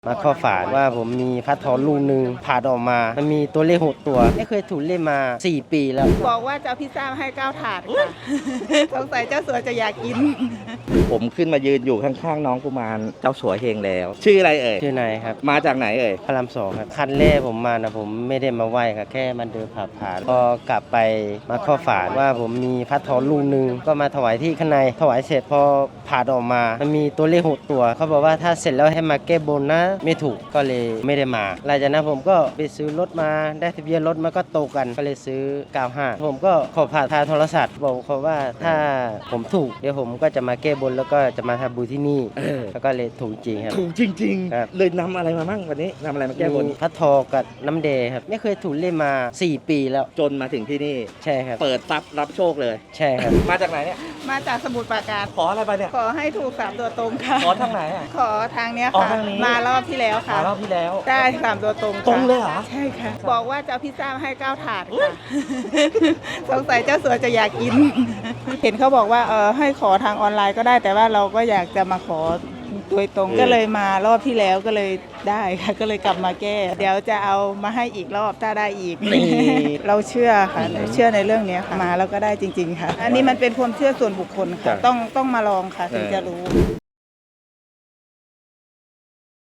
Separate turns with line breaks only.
มาเข้าฝันว่าผมมีพัดทองลูกหนึ่งผ่าออกมามันมีตัวเลข6ตัวไม่เคยถูกเล่นมา4 ปีแล้ว
บอกว่าจะเอาพิซซ่ามาให้9 ถาดค่ะ สงสัยเจ้าสัวจะอยากกิน
ผมขึ้นมายืนอยู่ข้างๆน้องกุมารเจ้าสัวเฮงแล้ว ชื่ออะไรเอ่ย
ชื่อนายครับ
มาจากไหนเอ่ย
พระราม2ครับคันแรกผมมานะผมไม่ได้มาไหว้ครับแค่มันเดินผ่านพอกลับไปมาเข้าฝันว่าผมมีพัดทองลูกหนึ่งก็มาถวายที่ข้างในถวายเสร็จพอผ่าออกมามันมีตัวเลข6ตัวเขาบอกว่าถ้าเสร็จแล้วให้มาแก้บนนะไม่ถูกก็เลยไม่ได้มาหลังจากนั้นผมก็ไปซื้อรถมาได้ทะเบียนรถมันก็ตรงกันก็เลยซื้อ95ผมก็ขอผ่านทางโทรศัพท์บอกเขาว่าถ้าผมถูกเดี๋ยวผมก็จะมาแก้บนแล้วก็จะมาทำบุญที่นี่แล้วก็เลยถูกจริงครับ
ถูกจริง
ครับ
ๆ เลยนำอะไรมามั่งวันนี้นำอะไรมาแก้บน
มีพัดทองกับน้ำเดย์ครับไม่เคยถูกเล่นมา4 ปีแล้ว
จนมาถึงที่นี่
ใช่ครับ
เปิดทรัพย์รับโชคเลย
ใช่ครับ
มาจากไหนเนี่ย
มาจากสมุทรปราการ
ขออะไรไปเนี่ย
ขอให้ถูก3 ตัวตรงค่ะ
ขอทางไหนอ่ะ
ขอทางเนี้ย
อ๋อ
ค่ะ
ทางนี้
มารอบที่แล้วค่ะ
รอบที่แล้ว
ได้3 ตัวตรงค่ะ
ตรงเลยเหรอ
ใช่ค่ะ บอกว่าจะเอาพิซซ่ามาให้9 ถาดค่ะ สงสัยเจ้าสัวจะอยากกิน เห็นเขาบอกว่าให้ขอทางออนไลน์ก็ได้แต่ว่าเราก็อยากจะมาขอโดยตรงก็เลยมารอบที่แล้วก็เลยได้ค่ะ ก็เลยกลับมาแก้ เดี๋ยวจะเอามาให้อีกรอบถ้าได้อีก เราเชื่อค่ะเชื่อในเรื่องนี้ค่ะมาแล้วก็ได้จริง ๆ ค่ะ อันนี้มันเป็นความเชื่อส่วนบุคคลค่ะต้องมาลองค่ะถึงจะรู้